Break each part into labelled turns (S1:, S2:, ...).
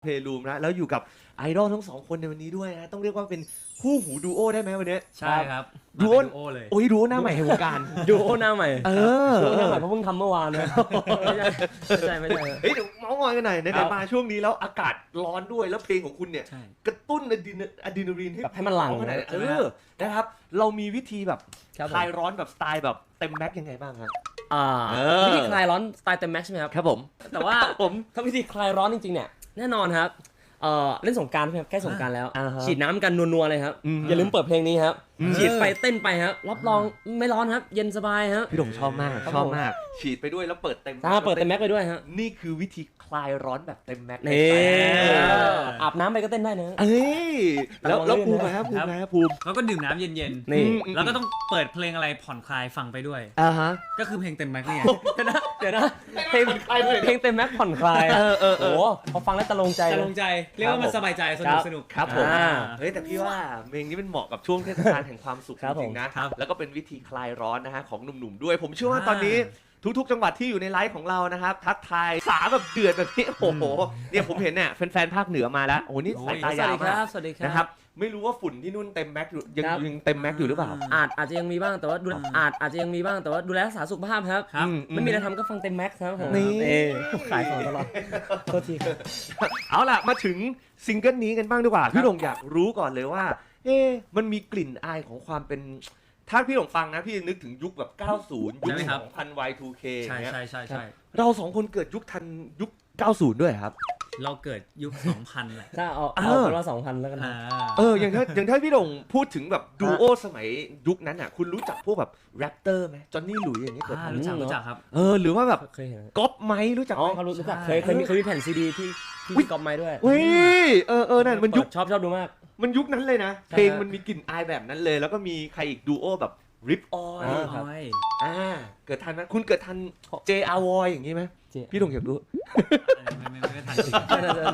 S1: เพลย์รูมนะแล้วอยู่กับไอดอลทั้งสองคนในวันนี้ด้วยนะต้องเรียกว่าเป็นคู่หูดูโอได้ไหมวันนี้
S2: ใช่ครับ
S1: ดูโอ
S2: เลย
S1: โอ้ยดูโอหน้าใหม่แห่งวงการ
S3: ดูโอหน้าใหม่
S1: ดู
S3: โอหน้าใหม่เพราะเพิ่งทำเมื่อวานนะไม่ใช่
S1: เฮ้ยเดี๋ยวเมาส์มอยกันหน่อยในมาช่วงนี้แล้วอากาศร้อนด้วยแล้วเพลงของคุณเนี่ยกระตุ้นอะดรีนาลีน
S3: ให้มันหลั่ง
S1: นะครับเรามีวิธีแบบคลายร้อนแบบสไตล์แบบเต็มแม็กยังไงบ้างครับ
S3: วิธีคลายร้อนสไตล์เต็มแม็กใช่ไหมครับ
S1: ครับผม
S3: แต่ว่าถ้าวิธีคลายร้อนจริงๆเนี่ยแน่นอนครับเล่นสงกรานต์ใช่ไหมใกล้สงกรานต์แล้วฉีดน้ำกันนัวๆเลยครับอย่าลืมเปิดเพลงนี้ครับฉีดไปเต้นไปครับรับรองไม่ร้อนครับเย็นสบายครับ
S1: พี่ดงชอบมากฉีดไปด้วยแล้วเปิดเต็ม
S3: แม็กไปด้วยฮะ
S1: นี่คือวิธีคลายร้อนแบบเต็มแม็ก
S3: อาบน้ำไปก็เต้นได้นะ
S1: แล้วภูมิครับภูมิ
S2: แล้วก็ดื่มน้ำเย็น
S3: ๆนี่
S2: แล้วก็ต้องเปิดเพลงอะไรผ่อนคลายฟังไปด้วยก็คือเพลงเต็มแม็กนี่
S3: เดี๋ยวนะเพลงเต็มแม็กผ่อนคลายโอ้พอฟังแล้วตะลงใจ
S2: เรียกว่ามันสบายใจสนุก
S1: ครับผมเฮ้ยแต่พี่ว่าเพลงนี้มันเหมาะกับช่วงเทศกาลแห่งความสุขจริงๆนะแล้วก็เป็นวิธีคลายร้อนนะฮะของหนุ่มๆด้วยผมเชื่อว่าตอนนี้ทุกๆจังหวัดที่อยู่ในไลฟ์ของเรานะครับทักทายสาแบบเดือดแบบนี้โอ้โหเนี่ยผมเห็นเนี่ยแฟนๆภาคเหนือมาแล้วโอ้นี่สายตายาวมากนะครับไม่รู้ว่าฝุ่นที่นู่นเต็มแม็กอยู่ยังเต็มแม็กอยู่หรือเปล่า
S3: อาจจะยังมีบ้างแต่ว่าอาจจะยังมีบ้างแต่ว่าดูแลรักษาสุขภาพครับไม่มีอะไรทำก็ฟังเต็มแม็กครับนี่ขายของตลอดโทษที
S1: เอาล่ะมาถึงซิงเกิลนี้กันบ้างดีกว่าพี่ดงอยากรู้ก่อนเลยว่ามันมีกลิ่นอายของความเป็นถ้าพี่หลงฟังนะพี่นึกถึงยุคแบบ90ยุค 2000 Y2K
S2: ใช่
S1: เราสองคนเกิดยุคทันยุค90ด้วยครับ
S2: เราเกิดยุค2000แหละ
S3: ถ้าเอาเป็นว่า2000แล้วกัน
S1: อย่างถ้าพี่หลงพูดถึงแบบดูโอสมัยยุคนั้นอ่ะคุณรู้จักพวกแบบแรปเตอร์ไหมจอห์นนี่หลุยอย่างนี้เกิด
S2: รู้จักครับ
S1: หรือว่าแบบก๊อปไมค์รู้จักไหม
S3: เขารู้จักเคยมีแผ่นซีดีที่ก๊อปไมค์ด้วย
S1: นั่นมันยุค
S3: ชอบดูมาก
S1: มันยุคนั้นเลยนะเพลงมันมีกลิ่นอายแบบนั้นเลยแล้วก็มีใครอีกดูโอแบบริปออยเกิดทันไหมคุณเกิดทัน JRY อย่างนี้ไหมพี่ดงอยากรู้
S2: ไม่ทันจริง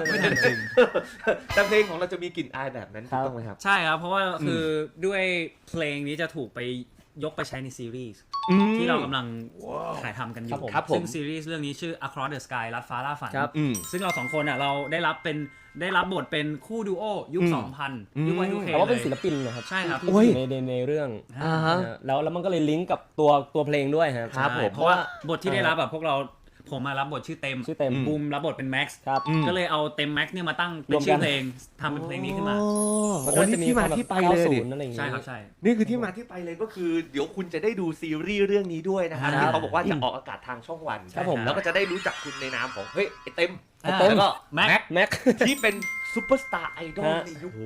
S1: แต่เพลงของเราจะมีกลิ่นอายแบบนั้นถูกต้องไหมครับ
S2: ใช่ครับเพราะว่าคือด้วยเพลงนี้จะถูกไปยกไปใช้ในซีรีส์ที่เรากำลังถ่ายทำกันอยู่ซึ่งซีรีส์เรื่องนี้ชื่อ Across the Sky ลัดฟ้าล่าฝันซึ่งเราสองคนอ่ะเราได้รับบทเป็นคู่ดูโอยุค 2000 ยุค Y2K
S3: แต่ว่าเป็นศิลปินนะครับ
S2: ใช่ครับ
S3: ในเรื่องแล้วมันก็เลยลิงก์กับตัวเพลงด้วย
S2: ครับเพราะว่าบทที่ได้รับแบบพวกเราผมมารับบทชื่อเต็มบูมรับบทเป็นแม็กซ์ก็เลยเอาเต็มแม็กซ์เนี่ยมาตั้งเป็นชื่อเพลงทำเป็นเพลงนี้ขึ้นมา
S1: นี่ที่มาที่ไปเลย
S2: ใช่ครับใช่
S1: นี่คือที่มาที่ไปเลยก็คือเดี๋ยวคุณจะได้ดูซีรีส์เรื่องนี้ด้วยนะครับที่เขาบอกว่าจะออกอากาศทางช่องวันแล้วก็จะได้รู้จักคุณในนามของเฮ้ยไอเต็มแล้วก็
S3: แม็ก
S1: ที่เป็นซุปเปอร์สตาร์ไอดอลในยุค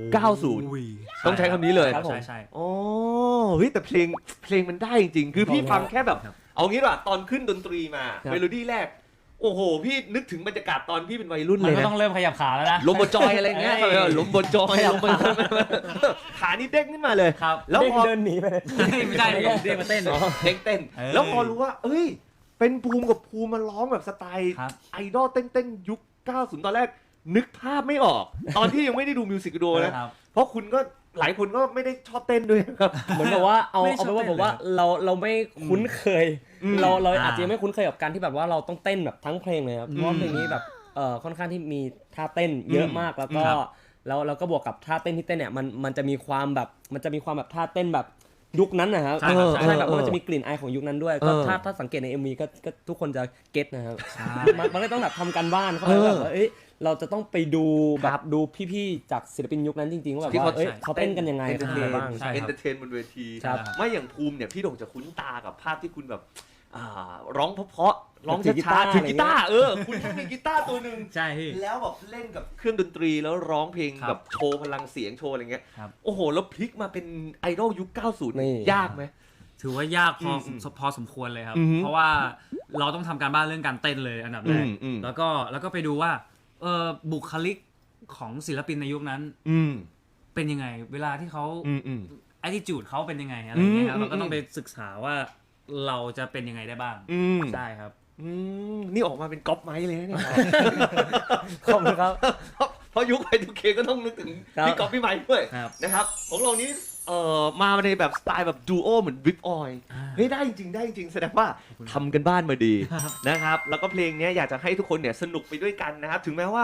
S1: 90 ต้องใช้คำนี้เลย
S2: ใช่
S1: อ๋อเฮ้ยแต่เพลงมันได้จริงๆคือพี่ฟังแค่แบบเอางี้ว่ะตอนขึ้นดนตรีมาเมโลดี้แรกโอ้โหพี่นึกถึงบรรยากาศตอนพี่เป็นวัยรุ่นเลยนะ
S2: มันก็ต้องเริ่มขยับขาแล้วนะ
S1: ลมบนจอยอะไรเงี้ยลมบนจอยขานี่เด้งขึ้นมาเลย
S3: แล้วพอเดินหนีไป
S2: ไม่ได้เลยเด้งมาเต้น
S1: เต้นแล้วพอรู้ว่าเอ้ยเป็นภูมิกับภูมิมาร้องแบบสไตล์ไอดอลเต้นยุค 90 ตอนแรกนึกภาพไม่ออกตอนที่ยังไม่ได้ดูมิวสิกวิดีโอนะเพราะคุณก็หลายคนก็ไม่ได้ชอบเต้นด้วยครับ
S3: เหมือนกับว่าเอาไปว่าผมว่าเราไม่คุ้นเคยเราอาจจะไม่คุ้นเคยกับการที่แบบว่าเราต้องเต้นแบบทั้งเพลงเลยครับเพราะเพลงนี้แบบค่อนข้างที่มีท่าเต้นเยอะมากแล้วก็เราก็บวกกับท่าเต้นที่เต้นเนี่ยมันจะมีความแบบท่าเต้นแบบยุคนั้นนะครับใช่แบบมันจะมีกลิ่นอายของยุคนั้นด้วยก็ถ้าสังเกตใน MV ก็ทุกคนจะเก็ตนะครับมันก็ต้องแบบทำการบ้านเขาแบบว่าเราจะต้องไปดูแบบดูพี่ๆจากศิลปินยุคนั้นจริงๆว่าแบบว่าเขาเต้นกันยังไง
S1: เป็นยังไงบ้างเอนเตอร์เทนบนเวทีไม่อย่างภูมิเนี่ยพี่โด่งจะคุ้นตากับภาพที่คุณแบบร้องเพราะร้องช้าๆถือกีตาร์คุณมีกีตาร์ตัวนึง
S2: ใช่
S1: แล้วแบบเล่นกับเครื่องดนตรีแล้วร้องเพลงแบบโชว์พลังเสียงโชว์อะไรเงี้ยโอ้โหแล้วพลิกมาเป็นไอดอลยุค 90 ยากไหม
S2: ถือว่ายากพอสมควรเลยครับเพราะว่าเราต้องทำการบ้านเรื่องการเต้นเลยอันดับแรกแล้วก็ไปดูว่าบุคลิกของศิลปินในยุคนั้นเป็นยังไงเวลาที่เขาattitude เขาเป็นยังไงอะไรเงี้ยครับเราก็ต้องไปศึกษาว่าเราจะเป็นยังไงได้บ้างใช่ครับ
S1: นี่ออกมาเป็นก๊อปไม้เลยนะเนี่ย
S3: ขอบคุณครับ
S1: เพราะยุคไอทูเคก็ต้องนึกถึงพี่ก๊อปพี่ไม้ด้วยนะครับของเรานี้มาในแบบสไตล์แบบดูโอเหมือนริปออยเฮ้ยได้จริงแสดงว่าทำกันบ้านมาดีนะครับแล้วก็เพลงนี้อยากจะให้ทุกคนเนี่ยสนุกไปด้วยกันนะครับถึงแม้ว่า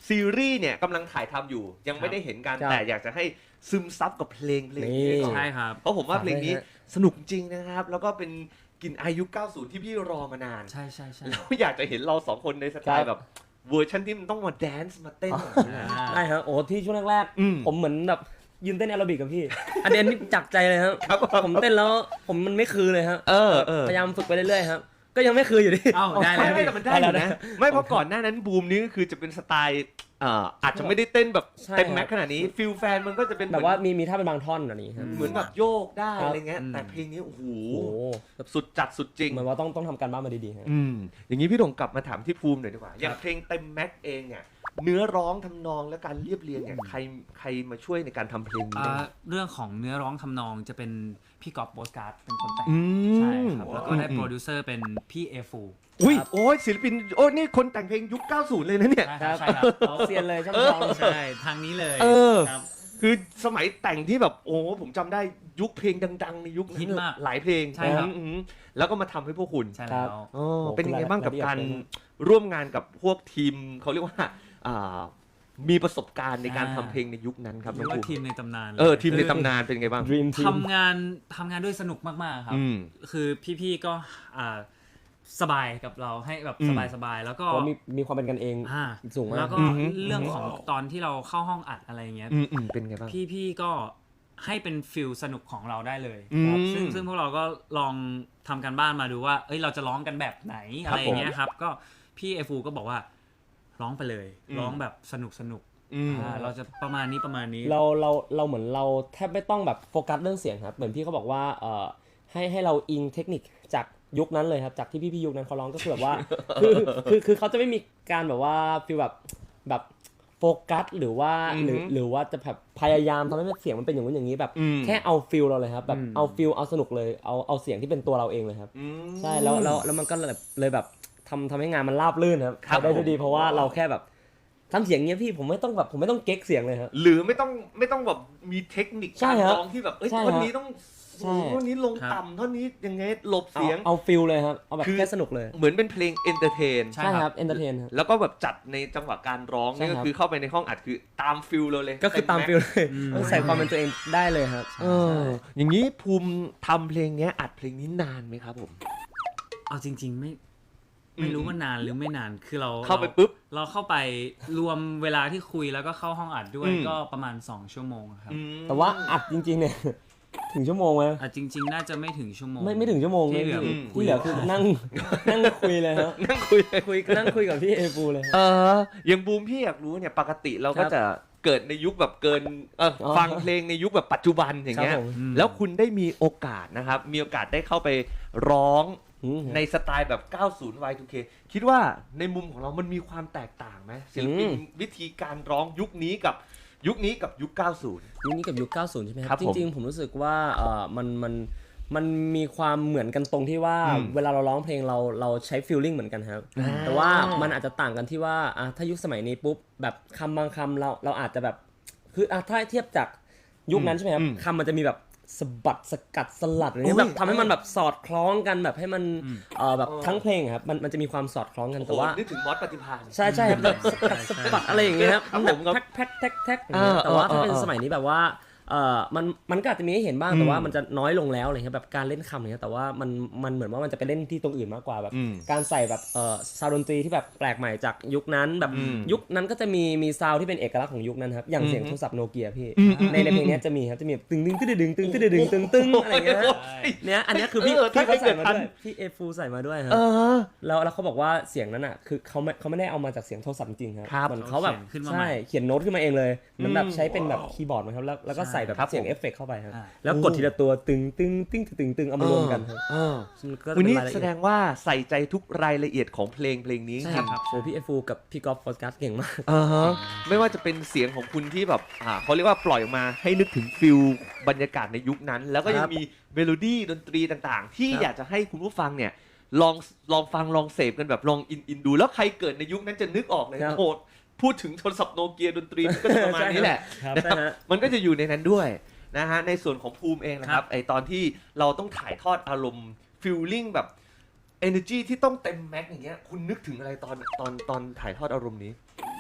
S1: ซีรีส์เนี่ยกำลังถ่ายทำอยู่ยังไม่ได้เห็นกัน
S3: ครับ
S1: แต่อยากจะให้ซึมซับกับเพลงนี้
S3: นี่
S1: ก่อน
S2: ใช่ครับ
S1: เพราะผมว่าเพลงนี้
S3: ฝากด้วยฮะ
S1: สนุกจริงนะครับ แล้วก็เป็นกลิ่นอายุ 90 ที่พี่รอมานาน
S2: ใช่ใช่ใช่
S1: แล้วอยากจะเห็นเราสองคนในสไตล์
S3: ค
S1: แบ
S3: รับบ
S1: เวอร์ชันที่มันต้องมาแดนซ์มาเต้นแบบนี้
S3: ได้ครับโอ้ที่ช่วงแรก
S1: อืม
S3: ๆผมเหมือนแบบยืนเต้นแอโรบิกกับพี่ อันนี้จากใจเลยครับ
S1: ครับ
S3: ผมเต้นแล้วผมมันไม่คือเลยครับ
S1: เออ
S3: พยายามฝึกไปเรื่อยๆครับก็ยังไม่คืออยู่ดี
S2: เอ้าได้
S1: ไม่
S2: แล้ว
S1: ไม่แต่มันได้อยู่นะไม่เพราะก่อนหน้านั้นบูมนี้ก็คือจะเป็นสไตล์อาจจะไม่ได้เต้นแบบ
S3: ใช่
S1: เต็มแม็กซ์ขนาดนี้ฟิลแฟนมันก็จะเป็น
S3: แบบว่ามีท่าเป็นบางท่อนอันนี้ครับ
S1: เหมือนแบบโยกได้
S3: ครับ
S1: อะไรเงี้ยแต่เพลงนี้โอ้โห
S3: โอ้โห
S1: สุดจัดสุดจริง
S3: เหมือนว่าต้องทำการบ้านมาดีๆครับ
S1: อย่างนี้พี่ดงกลับมาถามที่ภูมิหน่อยดีกว่า อย่างเพลงเต็มแม็กซ์เองเนี่ยเนื้อร้องทำนองและการเรียบเรียงเนี่ยใครมาช่วยในการทำเพลงนี้บ้าง
S2: เรื่องของเนื้อร้องทำนองจะเป็นพี่ก๊อฟโบสการ์ดเป็นคนแต่ง
S1: อืม
S2: ใช่ครับแล้วก็ได้โปรดิวเซอร์เป็นพี่เอฟู
S1: อุ้ย
S3: ครับ
S1: โอ้ยศิลปินโอ้ยนี่คนแต่งเพลงยุค 90 เลยนะเนี่ย
S2: ใช่ครับใช่ครับ
S3: เอาเซียนเลยช่างทอง
S2: ใช่ทางนี้เลย
S1: เออ
S2: ครับ
S1: คือสมัยแต่งที่แบบโอ้ผมจำได้ยุคเพลงดัง ๆ ในยุคนั้น
S2: ฮิตมาก
S1: หลายเพลง
S2: ใช่ครับ
S1: อืมแล้วก็มาทำให้พวกคุณ
S2: ใช่แล้ว
S1: อ๋อ
S3: โอ้
S1: เป็นยังไงบ้างกับ
S3: รายละเอียด
S1: การ
S3: เลยนะ
S1: ร่วมงานกับพวกทีมเขาเรียกว่ามีประสบการณ์ในการทำเพลงในยุคนั้นครับ
S2: เรี
S1: น้
S2: ย
S1: อง
S2: กว่า
S1: ภูมิ
S2: ทีมในตำนานเลย
S1: ทีมในตำนานเป็นไงบ้าง
S3: Dream Team
S2: ทำงานด้วยสนุกมากๆครับ
S1: อืม
S2: คือพี่ๆก็สบายกับเราให้แบบ
S1: อืม
S2: สบายๆแล้วก็
S3: เพราะมีความเป็นกันเอง
S2: อ่า
S3: สูงมาก
S2: แล้วก็
S1: อือฮึ
S2: เรื่องของตอนที่เราเข้าห้องอัดอะไรเงี้ย
S1: เป็นไงบ้าง
S2: พี่ๆก็ให้เป็นฟิลสนุกของเราได้เลย
S1: อืม
S2: ครับซึ่งพวกเราก็ลองทำการบ้านมาดูว่าเอ้ยเราจะร้องกันแบบไหน
S1: ครั
S2: อะ
S1: บ
S2: ไรอย่างเงี้ยครับก็พี่เอฟูก็บอกว่าร้องไปเลย
S1: อืม
S2: ร้องแบบสนุก
S1: อืม
S2: เราจะประมาณนี้
S3: เราเหมือนเราแทบไม่ต้องแบบโฟกัสเรื่องเสียงครับเหมือนพี่เขาบอกว่าให้เราอิงเทคนิคจากยุคนั้นเลยครับจากที่พี่ยุคนั้นเขาร้องก็คือแบบว่า คือเขาจะไม่มีการแบบว่าฟีลแบบโฟกัสหรือว่า
S1: อือฮึ
S3: หรือว่าจะแบบพยายามทำให้เสียงมันเป็นอย่างนู้นอย่างนี้แบบ
S1: อืม
S3: แค่เอาฟิลเราเลยครับแบบเอาฟิลเอาสนุกเลยเอาเสียงที่เป็นตัวเราเองเลยครับ ใช่แล้วมันก็เลยแบบทำให้งานมันราบรื่นครับ
S1: ครับ
S3: ได้
S1: ผม
S3: ด้วยดีเพราะว่าเราแค่แบบทำเสียงเงี้ยพี่ผมไม่ต้องเก๊กเสียงเลยครับ
S1: หรือไม่ต้องแบบมีเทคนิค
S3: ใช่
S1: การ
S3: ครับ
S1: ร้องที่แบบเอ้ย
S3: ใช่ครับ
S1: ท่อนนี้ต้อง
S3: ใช่
S1: ท่อนนี้ลง
S2: ครับ
S1: ต่ำท่อนนี้ยังไงหลบเสียง
S3: เอาฟิลเลยครับเอาแบบ
S1: คือ
S3: แค่สนุกเลย
S1: เหมือนเป็นเพลงเอนเตอร์เทน
S2: ใช่
S3: ใช่
S2: ค
S3: ค
S2: รั
S3: รับ บเอนเตอร์เทนครับ
S1: แล้วก็แบบจัดในจังหวะการร้อง
S3: ใช่
S1: นี่ก็
S3: ครับ
S1: คือเข้าไปในห้องอัดคือตามฟิลเราเลย
S3: ก็คือตามฟิลเลยใส่ความเป็นตัวเองได้เลยครับ
S1: อย่างนี้ภูมิทำเพลงเนี้ยอัดเพลงนี้นานไหมครับผม
S2: เอาจริง ๆไม่รู้ว่านานหรือไม่นานคือเรา
S1: เข้าไปปุ๊บ
S2: เราเข้าไปรวมเวลาที่คุยแล้วก็เข้าห้องอัดด้วย
S1: อืม
S2: ก็ประมาณ2 ชั่วโมงครับ
S3: แต่ว่าอัดจริงๆเนี่ย ถึงชั่วโมงไหม
S2: จริง ๆ น่าจะไม่ถึงชั่วโมง
S3: ไม่ถึงชั่วโมง
S2: ที่เหลือ
S3: พี่ที่เหลือคือนั่งคุยเลยครับ
S1: นั่งคุยเลย
S3: นั่งคุยกับพี่เอฟูเลยครับ
S1: อย่างบูมพี่อยากรู้เนี่ยปกติเราก็
S3: ครับ
S1: จะเกิดในยุคแบบเกินฟังเพลงในยุคแบบปัจจุบันอย่างเงี้ย
S3: ครับผม
S1: แล้วคุณได้มีโอกาสนะครับ มีโอกาสได้เข้าไปร้อง ในสไตล์แบบ 90 Y2K คิดว่าในมุมของเรามันมีความแตกต่างไหมศิลปินวิธีการร้องยุคนี้กับยุค 90
S3: ยุคนี้กับยุค 90 ใช่ไหมค
S1: ครั
S3: รั
S1: บบ ผม
S3: จริงๆผมรู้สึกว่ามันมีความเหมือนกันตรงที่ว่า เวลาเราร้องเพลงเราใช้ฟีลลิ่งเหมือนกันครับ แต่ว่ามันอาจจะต่างกันที่ว่าถ้ายุคสมัยนี้ปุ๊บแบบคำบางคำเราอาจจะแบบคือถ้าเทียบจากยุคนั้นใช่ไหมครับคำมันจะมีแบบสะบัดสกัดสลัดอะไรเงี้ยแบบทำให้มันแบบสอดคล้องกันแบบให้มันแบบทั้งเพลงอะครับมันจะมีความสอดคล้องกันแต่ว่า
S1: นึกถึงมอสปฏิภาณ
S3: ใช่ครับแบบสกัดสะบัดอะไรอย่างเงี้ยครับ
S1: ครับ
S3: แบบ
S1: ผมครับ
S3: แท็กอย่างเงี้ยแต่ว่าถ้าเป็น
S1: เออ
S3: สมัยนี้แบบว่ามันก็อาจจะมีให้เห็นบ้างแต่ว่ามันจะน้อยลงแล้วอะไรเงี้ยแบบการเล่นคำอะไรเงี้ยแต่ว่ามันเหมือนว่ามันจะไปเล่นที่ตรงอื่นมากกว่าแบบการใส่แบบซาวด์ดนตรีที่แบบแปลกใหม่จากยุคนั้นแบบยุคนั้นก็จะมีซาวด์ที่เป็นเอกลักษณ์ของยุคนั้นครับอย่างเสียงโทรศัพท์โนเกียพี่ในเพลงเนี้ยจะมีครับจะมีตึงตึงตึงตึงตึงตึงตึงตึงตึงอะไรเงี้ยเนี่ยอันเนี้ยคือพี่เขาใส่มาด้วยพี่เอฟูใส่มาด้วยครับแล้วเขาบอกว่าเสียงนั้นอ่ะคือเขาไม่ได้เอามาจากเสียงโทรศัพท์จริงๆครับเหมือนเขาแบบใช่เขียนโน้ตขึ้นมาเองเลยเหมือนแบบใช้เป็นแบบคีย์บอร์ดนะครับแล้วก็ใส่แบบเสียงเอฟเฟกต์เข้าไปครับแล้วกดทีละตัวตึงเอามารวมกันครับ
S1: วันนี้แสดงว่าใส่ใจทุกรายละเอียดของเพลงนี้
S3: ใช่ครับโอ้พี่เอฟูกับพี่กอล์ฟฟอสกัสเก่งมาก
S1: ไม่ว่าจะเป็นเสียงของคุณที่แบบเขาเรียกว่าปล่อยออกมาให้นึกถึงฟิลบรรยากาศในยุคนั้น แล้วก็ยังมีเมโลดี้ดนตรีต่างๆ ที่อยากจะให้คุณผู้ฟังเนี่ยลองฟังลองเสพกันแบบลองอินดูแล้วใครเกิดในยุคนั้นจะนึกออกเลยโหพูดถึงโทรศัพท์โนเกียดนตรีมันก็จะประมาณนี้แหละนะครับมันก็จะอยู่ในนั้นด้วยนะฮะในส่วนของภูมิเองนะครับไอตอนที่เราต้องถ่ายทอดอารมณ์ฟีลลิ่งแบบ energy ที่ต้องเต็มแม็กอย่างเงี้ยคุณนึกถึงอะไรตอนถ่ายทอดอารมณ์นี้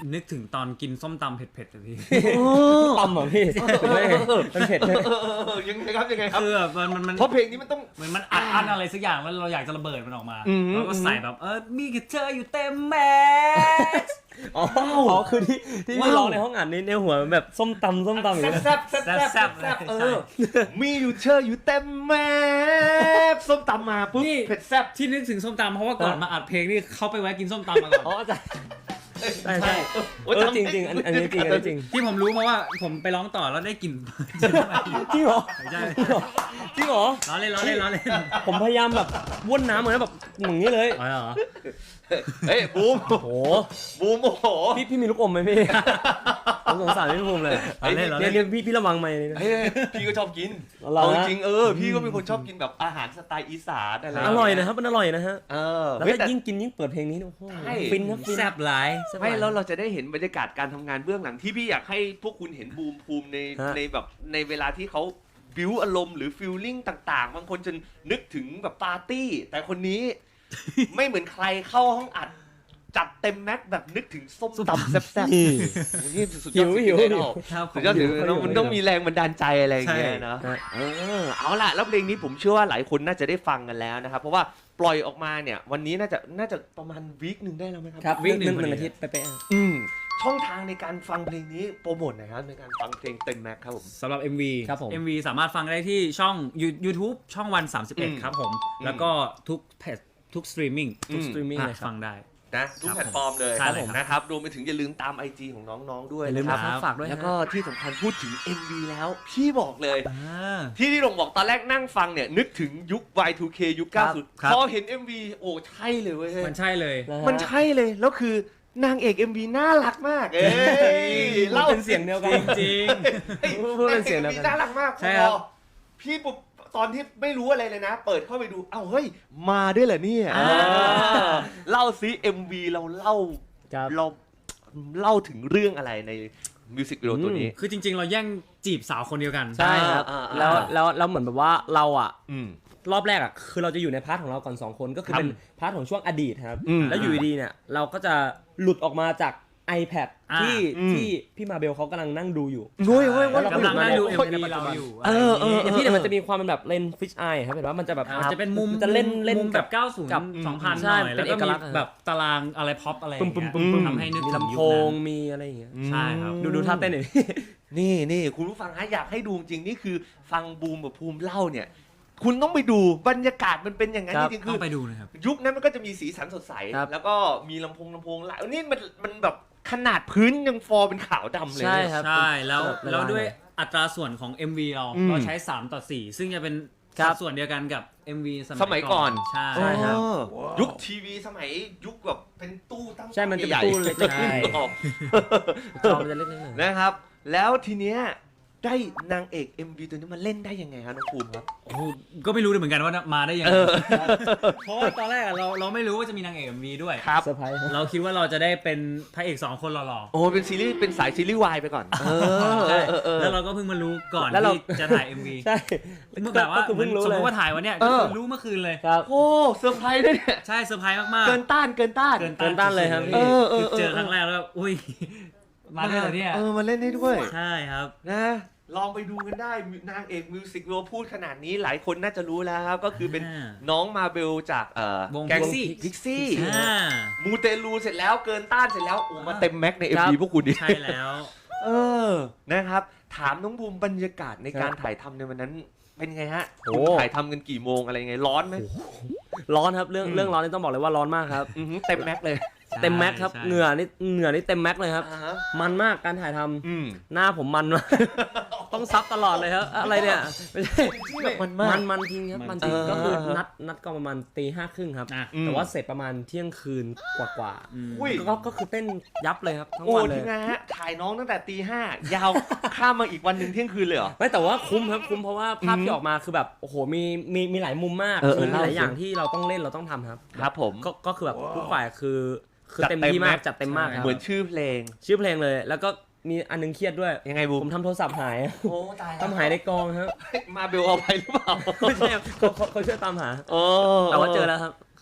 S2: นึกถึงตอนกินส้มตำเผ็ดๆเลยพี่
S3: ตำเหรอพี่เป็นไงมันเผ็ดเลย
S1: ยังไงครับยังไงครับ
S2: คือแบบมัน
S1: เพราะเพลงนี้มันต้อง
S2: เหมือนมันอัดอะไรสักอย่างแล้วเราอยากจะระเบิดมันออกมาแล้วก็ใส่แบบมีกับเธออยู่เต็มแม็กซ์
S3: อ๋อคือที่พี่ร้องในห้องอัดนี้ในหัวมันแบบส้มตำอย่างเงี้ย
S1: แซ่บมีอยู่เชออยู่เต็มแม่ส้มตำมาปุ๊บเผ็ดแซ่บ
S2: ที่นึกถึงส้มตำเพราะว่าก่อนมาอัดเพลงนี่เขาไปแวะกินส้มตำมาก่อน
S3: อ๋อใช่จริงอันนี้จริง
S2: ที่ผมรู้เพราะว่าผมไปร้องต่อแล้วได้กลิ่น
S3: จริงเหรอ
S2: ใช่
S3: จริงเหรอ
S2: ล้อเล่น
S3: ผมพยายามแบบว่นน้ำเหมือนแบบอย่างนี้เลย
S2: อ๋อเหรอ
S1: เฮ้ยบูม
S3: โอ้โห
S1: บูมโอ้โห
S3: พี่มีลูกอมไหมพี่ผมสงสารพี่ภูมิเลยเนี่ยพี่ระวังไหม
S1: เฮ้ยพี่ก็ชอบกิน
S3: เหรอ
S1: เอาจริงพี่ก็เป็นคนชอบกินแบบอาหารสไตล์อีสานอะไร
S3: อร่อยนะครับมันอร่อยนะฮะ แล้ว
S1: เฮ้ย
S3: ก็
S1: แต่
S3: ยิ่งกินยิ่งเปิดเพลงนี้โอ้โห
S1: ใช่
S3: ฟินครับฟิน
S2: แซ่บหลาย
S1: ไม่แล้วเราจะได้เห็นบรรยากาศการทำงานเบื้องหลังที่พี่อยากให้พวกคุณเห็นบูมภูมิในแบบในเวลาที่เขาบิวอารมณ์หรือฟีลลิ่งต่างๆบางคนจะนึกถึงแบบปาร์ตี้แต่คนนี้ ไม่เหมือนใครเข้าห้องอัดจัดเต็มแม็กแบบนึกถึงส้มตำแซ่บๆนี่สุดยอดสุดยอด
S2: ครับ
S1: สุดยอดถึงมันต้องมีแรงบันดาลใจอะไรอย่างเงี้ยนะเอาล่ะแล้วเพลงนี้ผมเชื่อว่าหลายคนน่าจะได้ฟังกันแล้วนะครับเพราะว่าปล่อยออกมาเนี่ยวันนี้น่าจะประมาณวีคนึงได้แล้วไหมครับ
S3: ครับวิ่งหนึ่งอาทิตย์ไป
S1: ช่องทางในการฟังเพลงนี้โปรโมทหน่อยครับในการฟังเพลงเต็มแม็กครับผม
S2: สำหรับ MV
S3: ครับผม
S2: MV สามารถฟังได้ที่ช่อง YouTube ช่องวัน 31 ครับผม แล้วก็ทุกเพจทุกสตรีมมิ่ง
S3: ทุกสตรีมมิ่งเลยครับ
S2: ฟังได้
S1: นะทุกแพลตฟอร์มเลย
S2: ใช่เลยครับ
S1: นะครับรวมไปถึงอย่าลืมตาม IG ของน้องๆด้วย
S3: อย่าลืม
S1: นะ
S3: นะ
S1: ค
S3: ค
S1: รั
S3: รั
S1: บบ
S3: ฝากด้วย
S1: แล้วก็ที่สำคัญพูดถึง MV แล้วพี่บอกเลย
S2: อ่า
S1: ที่ลงบอกตอนแรกนั่งฟังเนี่ยนึกถึงยุค Y2K ยุค
S2: ครับ
S1: 90พอเห็น MV โอ้ใช่เลยเว้ย
S2: มันใช่เลย
S1: มันใช่เลยแล้วคือนางเอก MV น่ารักมากเล่า
S3: เป็นเสียงเดียวกัน
S2: จริง
S3: พูดเป็นเสียงเดียวกัน
S1: น่ารักมาก
S2: ใช่ครับ
S1: พอพี่ปุ๊บตอนที่ไม่รู้อะไรเลยนะ เปิดเข้าไปดูเอ้าเฮ้ยมาด้วยเหรอเนี่ยเล่าซิ MV เราเล่า
S3: ครับ
S1: เราเล่าถึงเรื่องอะไรในมิวสิกวิดีโอตัวนี้
S2: คือจริง ๆ เราแย่งจีบสาวคนเดียวกัน
S3: ใช่ครับ แล้วเหมือนแบบว่าเราอ่ะ
S1: อืม
S3: รอบแรกอ่ะคือเราจะอยู่ในพาร์ทของเราก่อน2คนก็คือ
S1: ครับ
S3: เป็นพาร์ทของช่วงอดีตครับ
S1: อืม
S3: แล้วอยู่ดีๆเนี่ยเราก็จะหลุดออกมาจาก iPad ที่
S1: อืม
S3: ที่พี่มาเบลเขากำลังนั่งดูอยู่
S1: เฮ้ยเฮ้ย
S3: แล้วเรา
S2: กำลังนั่งดู
S3: คน
S2: MV เราอยู่
S3: อย่างพี่เนี่ยมันจะมีความเป็นแบบเลนฟิชไอครับเห็นว่ามันจะแบบ
S2: มันจะเป็นมุม
S3: จะเล่น
S2: มุมแบบ 90
S3: กับ
S2: 2000
S3: ใช่
S2: หน่อย
S3: เป็
S2: แล้ว
S3: น
S2: ก็
S3: เอก
S2: มี
S3: ลักษณ์
S2: แบบตารางอะไรพ็อปอะไร
S3: ปึ้มปึ้มปึ้มปึ้ม
S2: ทำให้นึก
S3: มี
S2: ถึง
S3: ลำ
S2: ยุ
S3: โพ
S2: ค
S3: ง
S2: นั้น
S3: มีอะไรอย่างเงี้ย
S2: ใช่ครับ
S3: ดูท่าเต้นหน่อย
S1: นี่คุณผู้ฟังฮะอยากให้ดูจริงนี่คือฟังบูมกับภูมิเล่าเนี่ย คุณต้องไปดูบรรยากาศมันเป็นอย่างนั้น
S3: ครับ
S1: จริงๆ
S2: ต้
S1: คือ อง
S2: ไปดูนะครับ
S1: ยุคนั้นมันก็จะมีสีสันสดใส
S3: ครับ
S1: แล้วก็มีลำโพงหลายนี่มันแบบขนาดพื้นยังฟอร์เป็นขาวดำเลย
S3: ใช่
S1: เนี่ย
S3: ครับ
S2: ใช่แล้ว
S3: เวลา
S2: แล้วด้วยอัตราส่วนของ MV เรา
S1: อืม
S2: เราใช้3:4ซึ่งจะเป็น
S3: ครั
S2: สั
S3: บ
S2: ดส่วนเดียวกันกับ MV
S1: สมัยก่อน
S2: ใช่
S3: ใช่ครับ
S1: ยุคทีวีสมัยยุคแบบเป็นตู้ตั้ง
S3: ใช่มันจะเป็น
S1: ใหญ่ๆ
S3: ตู้เล็กๆ
S2: ใช่
S1: ออก
S3: จอมันจะเล็กๆหน่อย
S1: นะครับ แล้วทีเนี้ยได้นางเอก MV ตัวนี้มาเล่นได้ยังไงครับน้องภูมิครับ
S2: โอ้โหก็ไม่รู้เลยเหมือนกันว่ามาได้ยังไงเพราะว่าตอนแรกอะเราไม่รู้ว่าจะมีนางเอก MV ด้วย
S1: ครับ
S3: เซอร์ไพรส์ครับ
S2: เราคิดว่าเราจะได้เป็นพระเอก2คนหล่อ
S1: โอ้เป็นซีรีส์เป็นสายซีรีส์วายไปก่อน
S2: ๆใช่แล้วเราก็เพิ่งมารู้ก่อน
S3: แล้วเรา
S2: ที่จะถ่าย MV
S3: ใช่
S2: เมื่อแบบว่า
S3: ก็คือเพิ่งรู้
S2: สม
S3: เล
S2: ม
S3: ย
S2: ติว่าถ่ายวันเนี้ย
S1: เอ
S2: ก็
S1: อ
S2: คือรู้เมื่อคืนเลย
S3: ครับ
S1: โอ้เซอร์ไพรส์ด้วยเนี่ย
S2: ใช่เซอร์ไพรส์มากๆ
S1: เกินต้าน
S3: เกินต้านเลยครับพี่
S2: คือเจอครั้งแรกแล้วอุ้ยมาด้วยเหรอเนี่ย
S1: มาเล่นได้ด้วย
S2: ใช่ครับ
S1: นะลองไปดูกันได้นางเอกมิวสิกวิดีโอพูดขนาดนี้หลายคนน่าจะรู้แล้วครับ ก็คือเป็นน้องมาเบลจาก
S2: วง
S1: แก๊ง
S2: Pixie
S1: พิกซี่
S2: อ่า
S1: มูเตลูเสร็จแล้วเกินต้านเสร็จแล้วโอ้มาเต็มแม็กใน
S3: ครั
S1: MV
S3: บ
S1: พวกคุณดิ
S2: ใช่แล้ว
S1: นะครับ ถามน้องบูมบรรยากาศในการถ่ายทำในวันนั้นเป็นไงฮะ
S3: โอ้
S1: คุณถ่ายทำกันกี่โมงอะไรยังไงร้อนไหม
S3: ร้อนครับเรื่องร้อนนี่ต้องบอกเลยว่าร้อนมากครับ
S1: เต็มแม็กเลย
S3: เต็มแม็กครับ
S2: ใช่
S3: เหงื่อนี่เต็มแม็กเลยครับ
S1: อ่าฮะ
S3: มันมากการถ่ายทำ
S1: อืม
S3: หน้าผมมันมาก ต้องซับตลอดเลยครับอะไรเนี่ยไม่ใช่
S1: มันมาก
S3: มันจริงครับมันจริง
S1: เออ
S3: ก็คือนัดก็ประมาณตี 5:30ครับ
S2: อ่ะ
S3: แต่ว่าเสร็จประมาณเที่ยงคืนกว่า
S2: อืม
S1: อุ้ย
S3: ก็คือเต้นยับเลยครับทั้ง
S1: โอ้
S3: วันเล
S1: ที
S3: ย
S1: มงานฮะถ่ายน้องตั้งแต่ตี 5ยาวข้ามมาอีกวันหนึ่งเที่ยงคืนเลยเหรอ
S3: ไม่แต่ว่าคุ้มครับคุ้มเพราะว่าภาพที่ออกมาคือแบบโอ้โหมีหลายมุมมาก
S1: เออ
S3: คือมีหลาย
S1: เล่าสิ
S3: อย่างที่เราต้องเล่นเราต้องทำครับ
S1: ครับผม
S3: ก็คือแบบทุกฝ่ายคือ
S1: จัด
S3: เต็ม
S1: เต็ม
S3: ที่
S1: ไหม
S3: มากจัดเต็มมากครับ
S1: เหมือนชื่อเพลง
S3: ชื่อเพลงเลย แล้วก็มีอันนึงเครียดด้วย
S1: ยังไงบู
S3: ผม มทำโทรศัพท์หาย
S1: โอ้ตาย
S3: ทำหายในกองครับ
S1: มาเบลเอาไปหรือเปล่า
S3: ไม่ใช่ครับเขาช่วยตามหา
S1: โอ้
S3: แต่ว่าเจอแล้วครับ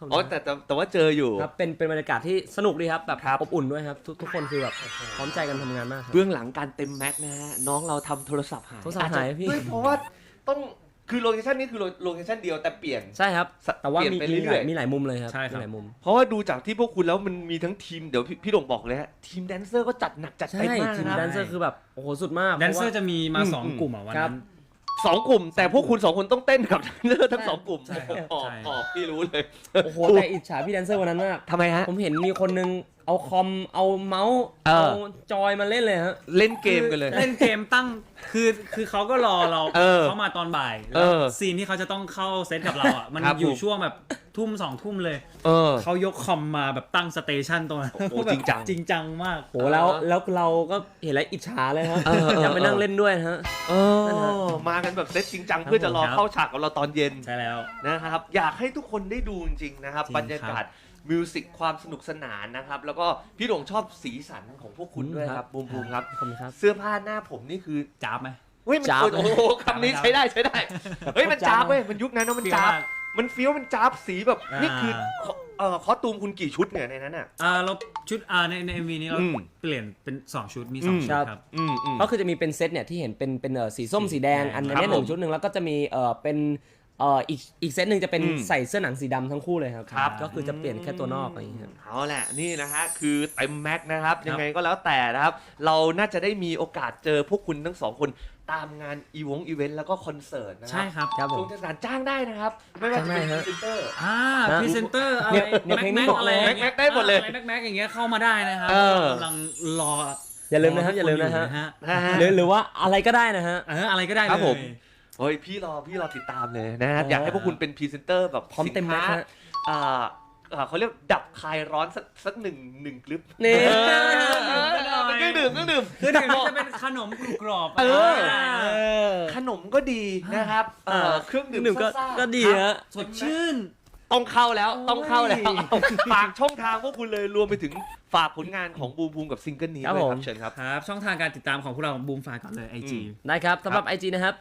S1: อ๋อแต่ว่าเจออยู่
S3: ครับเป็นบรรยากาศที่สนุกดีครับแบบ
S1: ครับ
S3: อบอุ่นด้วยครับทุกคนคือแบบพร้อมใจกันทำงานมากครับ
S1: เบื้องหลังการเต็มแม็กนะฮะน้องเราทำโทรศัพท์หาย
S3: โทรศัพท์หาย
S1: อจจะ
S3: พี่
S1: ด้วยเพราะว่าต้องคือโลเคชั่นนี้คือโลเคชั่นเดียวแต่เปลี่ยน
S3: ใช่ครับแต่ว่า
S1: เปลี่ยนไปเรื่อยๆ
S3: มีหลายมุมเลยครับ
S2: ใช่ครับ
S3: มีหลายมุม
S1: เพราะว่าดูจากที่พวกคุณแล้วมันมีทั้งทีมเดี๋ยวพี่โด่งบอกเลยฮะทีมแดนเซอร์ก็จัดหนักจัด
S3: ใช่
S1: เต็มมาก
S3: ทีม
S1: นะ
S3: แดนเซอร์คือแบบโอ้โหสุดมาก
S2: แดนเซอร์
S3: พาะว่า
S2: จะมีมา
S1: อืม
S2: 2 กลุ่มอ่ะวัน
S3: ครั
S2: นั้
S3: บ
S2: น
S1: สองกลุ่ม แต่พวกคุณ2 คนต้องเต้นกับแดนเซอร์ทั้ง2 กลุ่ม
S2: ใช่ครับ
S1: ออก
S2: ใช่
S1: ออกพี่รู้เลย
S3: โอ้โหแต่อิจฉาพี่แดนเซอร์วันนั้นมาก
S1: ทำไมฮะ
S3: ผมเห็นมีคนนึงเอาคอมเอาเมาส์
S1: เออ
S3: เอาจอยมาเล่นเลยฮะ
S1: เล่นเกมกันเลย
S2: เล่นเกมตั้งคือเขาก็รอเรา
S1: เออ
S2: เขามาตอนบ่าย
S1: เอ
S2: แล้ว
S1: อ
S2: ซีนที่เขาจะต้องเข้าเซตกับเราอ่ะมัน
S1: ครับ
S2: อยู่
S1: ผม
S2: ช่วงแบบทุ่ม 2 ทุ่มเลย
S1: เออ
S2: เขายกคอมมาแบบตั้งสเตชันตรงนั้น
S1: โอ้โห
S2: แบบ
S1: จริงจัง
S2: จริงจังมาก
S3: โหแล้วเราก็เห็นแล้วอิจฉาเลยฮะ อยากไปนั่งเล่นด้วยฮะ
S1: เออมากันแบบเซตจริงจังเพื่อจะรอ
S2: ครับ
S1: เข้าฉากกับเราตอนเย็น
S2: ใช่แล้ว
S1: นะครับอยากให้ทุกคนได้ดูจริงๆนะครับ
S2: จริง
S1: บรรยากาศมิวสิกความสนุกสนานนะครับแล้วก็พี่โด่งชอบสีสันของพวกคุณด้วยครับบูมครับ
S3: ขอบคุณครับ
S1: เสื้อผ้าหน้าผมนี่คือ
S2: จ้าบไหม
S1: เฮ้ยมัน
S3: จ๊าบ
S1: โอ้โหคำนี้ใช้ได้เฮ้ยมันจ๊าบเว้ยมันยุคนั้นนะมันจ๊าบ
S2: เฟี้ยวมาก
S1: มันเฟี้ยวมันจ๊าบสีแบบ
S2: อ่านี่
S1: นี่คือคอสตูมคุณกี่ชุดเนี่ยในนั้นอ่ะ
S2: เราชุดใน MV นี้เรา
S1: อืม
S2: เปลี่ยนเป็น 2 ชุดมี
S1: อืม
S2: 2 ชุดครับ
S3: ก็คือจะมีเป็นเซตเนี่ยที่เห็นเป็นสีส้มสีแดงอัน
S1: ครั
S3: นี้
S1: บ
S3: หนึ่
S1: ผ
S3: ง
S1: ม
S3: ชุดหนึ่งแล้วก็จะมีเป็นอีกเซตหนึ่งจะเป็น
S1: อืม
S3: ใส่เสื้อหนังสีดำทั้งคู่เลยครับ
S1: ครับ
S3: ก็คือจะเปลี่ยนแค่ตัวนอกอะไรอย่างเงี้ยครับ
S1: เอาแหละนี่นะฮะคือเต็มแม็กซ์นะครับยังไงก็แล้วแต่นะครับเราน่าจะได้มีโอกาสเจอพวกคุณทั้งสองคนตามงานอีเวนต์แล้วก็คอนเสิร์ตนะครั
S2: ใช่ครับ
S3: ครับผม
S1: ช่วงเทศกาลจ้างได้นะครับไม่ว่าจะเป็นพ
S3: จ้างได้ฮะ
S1: รีเซนเตอร์
S2: พรีเซนเตอร์อะไร
S3: เนี่ยเพลงนี้
S2: แม็ก
S3: บอก
S2: อะไร
S3: เลย
S1: แม็กได้หมดเลย
S2: อะไรแม็กอย่างเงี้ยเข้ามาได้นะครับ
S1: เออ
S2: กำลังรอ
S3: อย่าลืมนะครับอย่าลืมนะฮะ
S1: นะฮะ
S3: หรือว่าอะไรก็ได้นะฮะ
S2: อะไรก็ได้
S1: ครับ
S2: เล
S1: ผ
S2: ย
S1: ม เฮ้ยพี่รอติดตามเลยนะครับอยากให้พวกคุณเป็นพรีเซนเตอร์แบบ
S3: พร้อมเต็มแม็กซ์
S1: สิน
S3: ฮะ
S1: ค้าเขาเรียกดับคลายร้อนสักหนึ่งคลิป
S3: นี่
S1: เครื่องดื่ม
S2: คือเดี๋ยวนี้จะเป็นขนมกรุบกรอบ
S1: เออ
S3: เ
S1: ขนมก็ดีนะครับเครื่องดื่ม
S3: หนึ่งก็
S1: ซ่าๆ
S3: ก็ดีฮะ
S2: สดชื่น
S1: ต้องเข้าแล้ว
S3: โอ้ย
S1: ต้องเข้าแล้วเอาฝากช่องทางพวกคุณเลยรวมไปถึงฝากผลงานของบูมบูมกับซิงเกิลนี้
S3: ครับ
S1: ด้วยค
S3: ผ
S1: รับ
S3: ม
S1: เชิญครับ
S2: ครับ ช่องทางการติดตามของพวกเราบูมฝากก่อนเลย IG
S3: ได้ครับสำหรับ IG นะครับ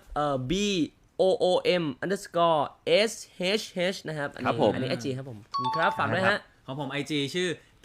S3: BOOM_SHH นะครับอัน
S1: ครับ
S3: นี้
S1: ผม
S3: อันนี้ IG ครับผมขอบคุณครับฝากด้วยฮะ
S2: ของผม IG ชื่อ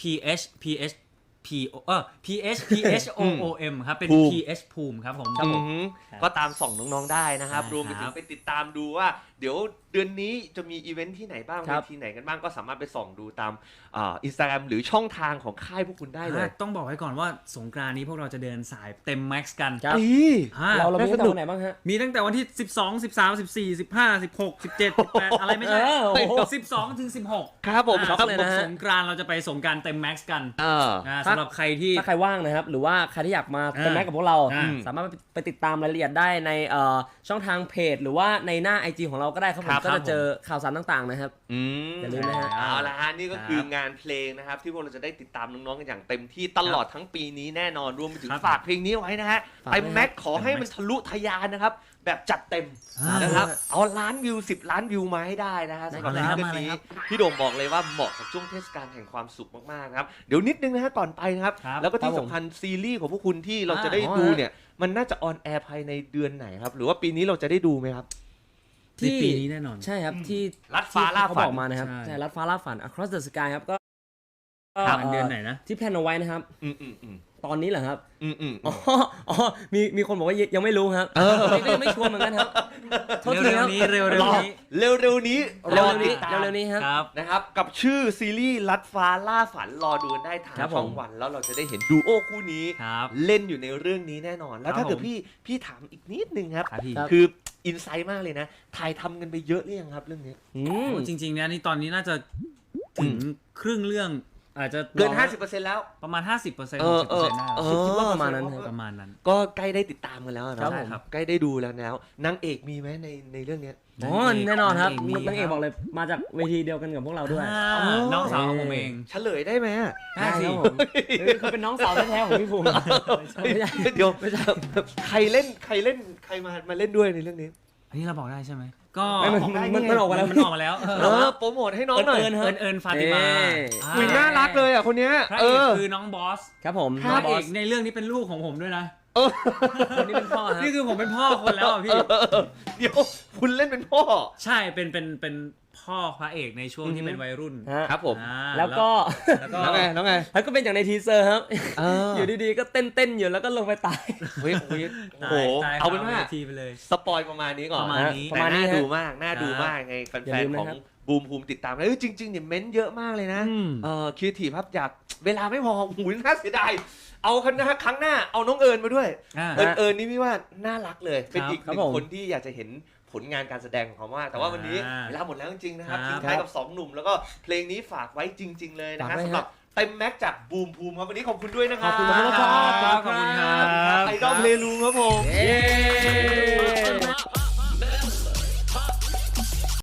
S2: PHOOM ครับ เป็น
S1: ภูมิ
S2: PH ภูมิครับผม
S3: ครับผม
S1: ก็ตามส่องน้องๆได้นะครับ
S2: ใช่
S1: รวมไปถึ
S2: ครั
S1: ง
S2: บ
S1: ไปติดตามดูว่า เดี๋ยวเดือนนี้จะมีอีเวนท์ที่ไหนบ้าง
S3: ครั
S1: เว
S3: บ
S1: ทีไหนกันบ้างก็สามารถไปส่องดูตามอินสตาแกรมหรือช่องทางของค่ายพวกคุณได้เลย
S2: ต้องบอกไว้ก่อนว่าสงกรานต์นี้พวกเราจะเดินสายเต็มแม็กซ์กัน
S3: ครับ
S1: อี
S2: อ่า
S3: เรามี
S1: น่าส
S3: ตั้ง
S1: นุก
S3: แต่วันไหนบ้างฮะ
S2: มีตั้งแต่วันที่ 12 13 14 15 16 17 18 อะไรไม่ใช่
S3: โอ้โห
S2: 12 ถึง 16
S1: ครับผม
S3: ช็อกเลยนะฮะ
S2: สงกรานต์เราจะไปสงกรานต์เต็มแม็กซ์กัน
S1: เออ
S2: สำหรับใครที่
S3: ถ้าใครว่างนะครับ หรือว่าใครที่อยากมาเป็นแม็กกับพวกเรา
S2: อ่า
S3: สามารถไปติดตามรายละเอียดได้ในช่องทางเพจ หรือว่าในหน้า IG ของเราก็ได้ครับผ
S1: ครั
S3: ม
S1: บ
S3: ก็จะเจอข่าวสารต่างๆนะครับ อย่าลืมนะฮะ
S1: เอาละฮะนี่ก็คืองานเพลงนะครับ ที่พวกเราจะได้ติดตามน้องๆกันอย่างเต็มที่ตลอดทั้งปีนี้แน่นอนรวมไปถึง
S2: ครับ
S1: ฝากเพลงนี้ไว้นะฮะ
S3: ฝาก
S1: เต็ม
S3: ไว้
S1: แม็กซ์ขอให้มันทะลุทะยานนะครับ แบบจัดเต็ม นะครับเอาล้านวิว10 ล้านวิวมาให้ได้นะฮะสำหรับ
S2: มา
S1: ซิง
S2: เลย
S1: เกิล
S2: ครับ
S1: นี้
S2: มาเลยครับ
S1: พี่โด่งบอกเลยว่าเหมาะกับช่วงเทศกาลแห่งความสุขมากๆนะครับเดี๋ยวนิดนึงนะฮะก่อนไปนะครับ
S2: ครับ
S1: แล้วก็ที่
S3: ครับผม
S1: สำคัญซีรีส์ของพวกคุณที่เราจะ
S2: อ่า
S1: ได้ดูเนี่ยมันน่าจะออนแอร์ภายในเดือนไหนครับหรือว่าปีนี้เราจะได้ดูไหมครับ
S2: ในปีนี้แน่นอน
S3: ใช่ครับที่
S1: ลัดฟ้าล่า
S3: เขา
S1: ฝั
S3: บ
S1: น
S3: อกมานะครับ
S2: ใช่
S3: ใช่ลัดฟ้าล่าฝัน Across the Sky ครับก็
S2: ครับเดือนไหนนะ
S3: ที่แพลนเอาไว้นะครับ
S1: อืมอืมอืม
S3: ตอนนี้เหรอครับ
S1: อืมอืม
S3: อ๋อมีคนบอกว่ายังไม่รู้ครับก็ยังไม่ชัวร์เหมือนกันครับโทษที
S2: เร็
S3: คว รับ
S2: ๆนี้เร็วๆนี้
S1: เร็วๆนี้
S3: เร็ว
S1: รอ
S3: ๆ
S1: ติ
S3: นี้
S1: ดตาม
S3: เร็วๆนี้ครับ
S2: ครับ
S1: นะครับกับชื่อซีรีส์ลัดฟ้าล่าฝันรอดูกันได้ทาง
S3: ครับผม
S1: ช่องวันแล้วเราจะได้เห็นดูโอคู่นี้
S2: ครับ
S1: เล่นอยู่ในเรื่องนี้แน่นอน แล้ว
S2: ครับ
S1: ถ้าเกิด
S2: ผม
S1: พี่ถามอีกนิดนึงครับ
S2: ครับพี่
S3: ครับ
S1: คืออินไซต์มากเลยนะถ่ายทำกันไปเยอะหรือยังครับเรื่องนี้
S3: อืม
S2: โอ้จริงๆเนี่ยนี่ตอนนี้น่าจะถึงครึ่งเรื่องอาจจะ
S1: เกิน 50%แล้ว
S2: ประมาณ 50% 60%
S1: เออ
S2: ได้
S3: คิดว่าประมาณนั้นครับ
S2: ประมาณนั้น
S1: ก็ใกล้ได้ติดตามกันแล้วนะครับ
S2: ผม
S1: ใกล้ได้ดูแล้วนางเอกมีไหมในเรื่องเนี้ย
S3: อ๋อแน่นอนครับ
S2: มี
S3: นางเอกบอกเลยมาจากเวทีเดียวกันกับพวกเราด้วย
S2: น้องสาวของผมเอง
S1: เฉลยได้ไหมอะ
S2: ได้สิ
S3: ครับผมเขาเป็นน้องสาวแท้ๆของพี่ภูมิไม่ใช่
S1: เดี๋ยวใครเล่นใครมาเล่นด้วยในเรื่องนี้
S2: อันนี้เราบอกได้ใช่ไหมก็
S3: ไม่มันออกมาแล้ว
S2: มันออกมาแล้ว
S1: โปรโมทให้น้องหน่อย
S3: เอิญ
S2: เอิญฟาติมา
S1: อุ๊ยน่ารักเลยอ่ะคนเนี้ย
S2: พระเอกคือน้องบอส
S3: ครับผม
S2: พระเอกในเรื่องนี้เป็นลูกของผมด้วยนะ
S3: คนนี้เป็นพ่อฮะ
S2: นี่คือผมเป็นพ่อคนแล้วอ่ะพี่
S1: เดี๋ยวคุณเล่นเป็นพ่อ
S2: ใช่เป็นพ่อพระเอกในช่วงที่เป็นวัยรุ่น
S3: ฮะ
S1: ครับผม
S3: แล้วก็
S2: แล้วก็
S1: แล้วไง
S3: แล้วก็เป็นอย่างในทีเซอร์ครับ อยู่ดีๆก็เต้นอยู่แล้วก็ลงไปตาย
S1: เฮ้ยโอ้โห
S2: ตาย
S1: เอาเป็นว่า
S2: ทีไปเลย
S1: สปอยประมาณนี้ก่อน
S2: ประมาณนี้
S1: แต่น่าดูมากน่าดูมากไงแฟ
S3: อย่าน ลืม
S1: ๆ
S3: นะ
S1: ของ
S3: ครับ
S1: บูมภูมิติดตามเลยจริงๆเนี่ยเม้นต์เยอะมากเลยนะครีเอทีฟครับอยากเวลาไม่พอหูยน่าเสียดายเอาครั้งหน้าเอาน้องเอิญมาด้วย เอิญนี่พี่ว่าน่ารักเลยเป็นอีกหนึ่งคนที่อยากจะเห็นผลงานการแสดงของเขามากแต่ว่าวันนี้เวลาหมดแล้วจริงๆนะครับทิ้งท้ายกับ2หนุ่มแล้วก็เพลงนี้ฝากไว้จริง ๆเลยนะฮะสำหรับเต็มแม็กจากบูมภูมิครับวันนี้ขอบคุณด้วยนะครับ
S3: ขอบคุณมากครับ
S2: ขอบคุณครับ
S1: ไอดอลเพลงลุงครับผม
S3: เย้